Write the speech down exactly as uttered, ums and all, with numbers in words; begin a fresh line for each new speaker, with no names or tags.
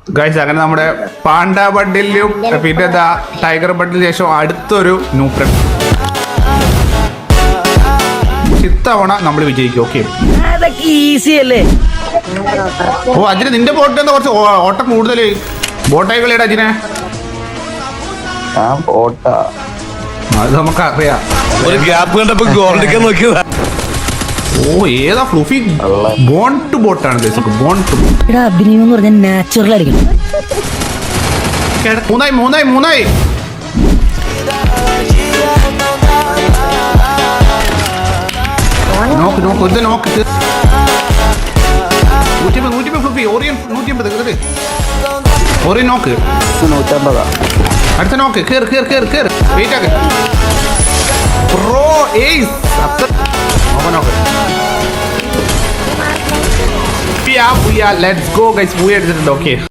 Guys അങ്ങനെ നമ്മുടെ Panda ബണ്ടിലും പിന്നെ എന്താ ടൈഗർ ബണ്ടിന് ശേഷം അടുത്തൊരു ന്യൂട്രൻ. ഇത്തവണ നമ്മൾ വിജയിക്കും. ഓക്കെ
ഈസി അല്ലേ?
ഓ അജിന് നിന്റെ ബോട്ടിൽ എന്താ കുറച്ച് ഓട്ടം കൂടുതൽ? ബോട്ടായി കളിയുടെ അജിനെ അത് നമുക്ക് അറിയാം.
ഒരു ഗ്യാപ്പ് കണ്ടപ്പോ ഗോൾഡിക്കാൻ നോക്കിയതാ.
ഓ ഏതാ ഫ്ലൂഫി ബോൺ ടു ബോട്ടാണ് ബോൺ ടു.
എടാ അഭിനയം എന്ന് പറഞ്ഞാൽ നാച്ചുറൽ ആയിരിക്കണം.
മൂന്നായി മൂന്നായി മൂന്നായി നോക്ക് നോക്ക് ഇത് നോക്ക് നൂറ്റിയമ്പത് നൂറ്റിയമ്പത് ഫ്ലൂഫി ഓറിയൻ നൂറ്റിയമ്പത് ഓറിയൻ നോക്ക്
നൂറ്റമ്പതാ.
അടുത്ത നോക്ക് കേറ് കേറ് കേറ് കേറ് വെയിറ്റ് ആക്ക് ബ്രോ ഏയ്സ് നോക്ക് ലെറ്റ്സ് ഗോ ഗൈസ് മൂവി എടുത്തിട്ടുണ്ട്. ഓക്കെ